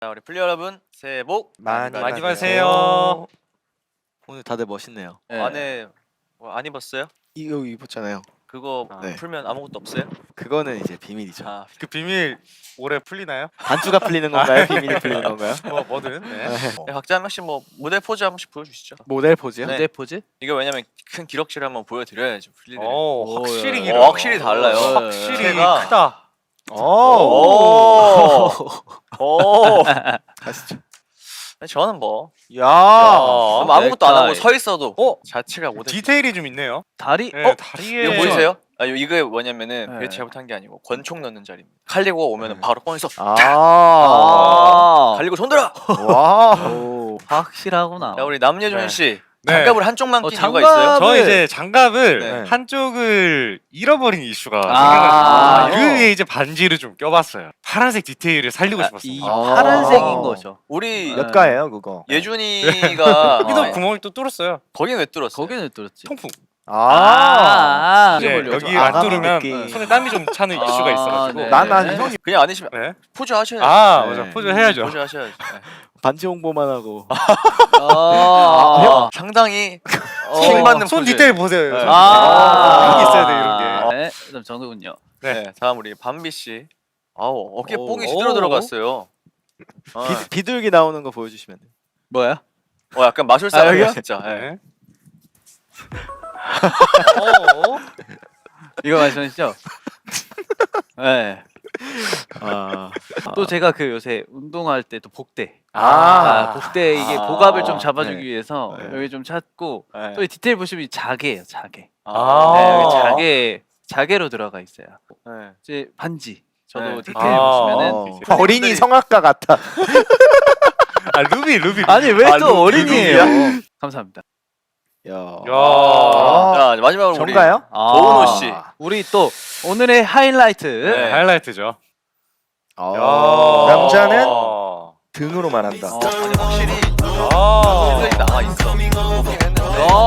자, 우리 플레이어 여러분 새해 복 많이 받으세요. 오늘 다들 멋있네요. 네. 안에 뭐 안 입었어요? 이거 입었잖아요. 그거 네. 풀면 아무것도 없어요? 그거는 이제 비밀이죠. 아, 그 비밀 올해 풀리나요? 단추가 풀리는 건가요? 비밀이 풀리는 건가요? 뭐든. 네. 네, 각자 한 명씩 뭐 무대 포즈 한 번씩 보여주시죠. 모델 포즈요? 네. 무대 포즈? 이거 왜냐면 큰 기록실을 한번 보여드려야죠. 플리들. 오, 확실히 야. 길어. 확실히 달라요. 확실히 제가- 크다. 오. 오. 가시죠. 저는 뭐 야. 아무것도 안 하고 넥타이. 서 있어도 자체가 모델. 디테일이 좀 있네요. 다리? 네, 다리에 이거 보이세요? 이거 뭐냐면은 네. 벨트 잘못한 게 아니고 권총 넣는 자리입니다. 칼리고가 오면은 바로 꺼내서 아. 갈리고 손 들어. 와. 오, 확실하구나. 자, 우리 남예준 네. 씨 네. 장갑을 한쪽만 낀 이유가 장갑- 있어요? 저 이제 장갑을 네. 한쪽을 잃어버린 이슈가 아. 생겨가지고 그 위에 이제 반지를 좀 껴봤어요. 파란색 디테일을 살리고 이 싶었습니다. 파란색인 거죠. 우리 몇 가예요, 그거? 예준이가 여기도 구멍이 또 뚫었어요. 거긴 왜 뚫었어? 거기는 뚫었지. 통풍. 아. 이제 걸려. 여기 좀 안 아가미 뚫으면 느낌. 손에 땀이 좀 차는 이슈가 있어가지고. 네. 난 형이 그냥 안 하시면 네. 포즈 하셔야죠. 아, 네. 맞아. 포즈 해야죠. 포즈 하셔야죠. 네. 반지 홍보만 하고. 상당히 어. 킹 받는 손 포즈. 디테일 보세요. 네. 손 아. 이런 게 있어야 돼, 이런 게. 네, 그다음 정도군요. 네. 다음 우리 밤비 씨. 아우 어깨 오. 뽕이 제대로 들어갔어요. 비둘기 나오는 거 보여주시면 돼요. 뭐야? 약간 마술사 여기요? 같아 진짜. 네. 네. 이거 말씀하시죠? 네. 아. 또 제가 그 요새 운동할 때 또 복대. 아. 복대 이게 아. 복압을 좀 잡아주기 네. 위해서 네. 여기 좀 찾고 네. 또 이 디테일 보시면 이 자개예요, 자개. 아. 네, 여기 자개로 들어가 있어요. 네. 이제 반지. 저도 네. 디테일 아. 보시면은 어린이 성악가 같아. 아, 루비. 아니 왜 또 루- 어린이에요? 감사합니다. 야. 자 마지막으로 우리 전가요? 도은호 씨. 우리 또 오늘의 하이라이트. 네. 하이라이트죠. 아. 남자는 아. 등으로만 한다. 아니 확실히 아. 실력이 나와 있어. 보긴 했는데.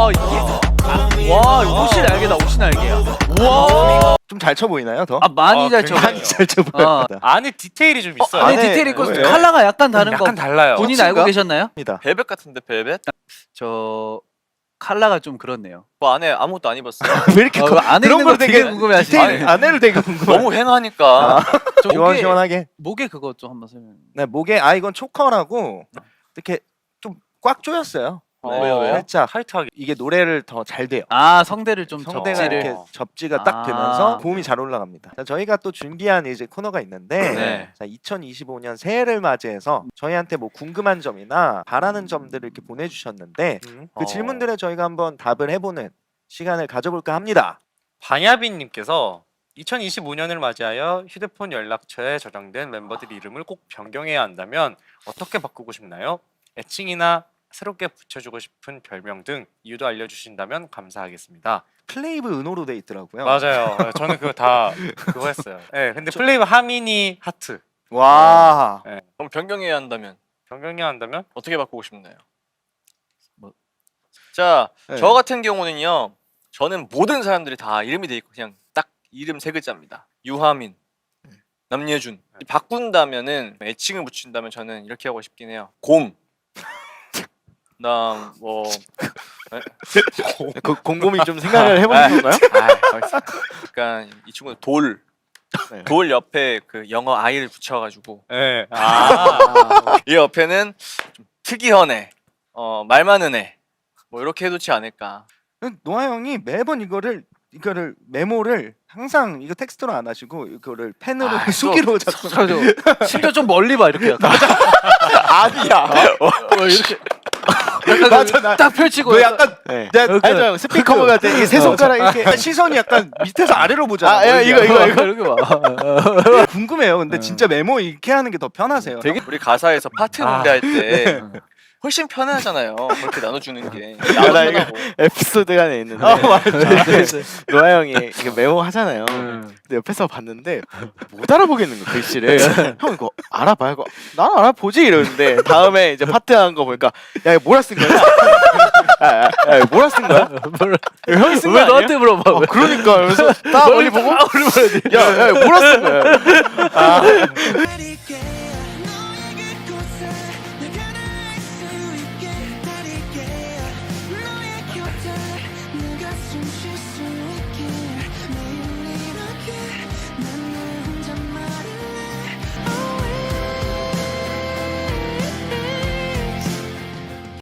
이게 와 옷이 날개다, 옷이 날개야. 우와. 좀 잘 쳐 보이나요, 더? 많이 잘 쳐. 굉장히 많이 잘 쳐 보여. 안에 디테일이 좀 있어요. 안에 안에 디테일 있고 뭐예요? 컬러가 약간 다른 거. 약간 달라요. 본인 혹시인가? 알고 계셨나요? 입니다. 벨벳 같은데 벨벳? 저 컬러가 좀 그렇네요. 뭐 안에 아무것도 안 입었어요. 왜 이렇게 안에 그런 있는 걸 거 되게 되게 궁금해하시네. 디테일 안에를 되게 궁금해. 너무 횡하니까. 저 목에 시원시원하게. 목에 그거 좀 한번 설명. 네, 목에 이건 초커라고 이렇게 좀 꽉 조였어요. 왜요? 살짝 타이트하게. 이게 노래를 더 잘 돼요. 성대를 좀 성대가 접지를. 이렇게 접지가 딱 아. 되면서 고음이 잘 올라갑니다. 자, 저희가 또 준비한 이제 코너가 있는데 네. 자, 2025년 새해를 맞이해서 저희한테 뭐 궁금한 점이나 바라는 점들을 이렇게 보내주셨는데 그 질문들에 저희가 한번 답을 해보는 시간을 가져볼까 합니다. 방야빈님께서 2025년을 맞이하여 휴대폰 연락처에 저장된 멤버들 이름을 꼭 변경해야 한다면 어떻게 바꾸고 싶나요? 애칭이나 새롭게 붙여주고 싶은 별명 등 이유도 알려주신다면 감사하겠습니다. 플레이브 은호로 돼 있더라고요. 맞아요. 저는 그거 다 그거 했어요. 네, 근데 플레이브 하미니 하트 와. 그럼 변경해야 한다면 변경해야 한다면 어떻게 바꾸고 싶나요? 뭐- 자, 네. 저 같은 경우는요. 저는 모든 사람들이 다 이름이 돼 있고 그냥 딱 이름 세 글자입니다. 유하민, 남예준. 바꾼다면은 애칭을 붙인다면 저는 이렇게 하고 싶긴 해요. 곰. 그다음 뭐 그 곰곰이 좀 생각을 해보는 건가요? 약간 이 친구는 돌. 네. 돌 옆에 그 영어 I를 붙여가지고 네. 이 옆에는 좀 특이한 애, 말 많은 애, 뭐 이렇게 해놓지 않을까. 노아 형이 매번 이거를 메모를 항상 이거 텍스트로 안 하시고 이거를 펜으로 아, 또 수기로 자꾸 심지어 좀 멀리 봐 이렇게 약간. 아니야. 이렇게. 약간 맞아, 나- 딱 펼치고. 너 약간 네. 이렇게. 알죠 형 스피커 같아. 이게 세 손가락 이렇게 시선이 약간 밑에서 아래로 보잖아. 야, 이거 이렇게 봐. 궁금해요. 근데 진짜 메모 이렇게 하는 게 더 편하세요. 되게- 우리 가사에서 파트 노래할 때 훨씬 편하잖아요. 그렇게 나눠주는 게. 나 이거 에피소드가 하나 있는데 노아 형이 이거 메모 하잖아요. 근데 옆에서 봤는데 못 알아보겠는 거 글씨를. 형 이거 알아봐 이거. 난 알아보지 이러는데 다음에 이제 파트 한 거 보니까 야 이거 뭐라 쓴 거야? 야, 이거 뭐라 쓴 거야? 이거 형이 쓴 거 왜 아니야? 너한테 물어봐? 왜? 그러니까 그래서 딱 멀리 보고 딱 물어봐야 돼. 야 이거 뭐라 쓴 거야?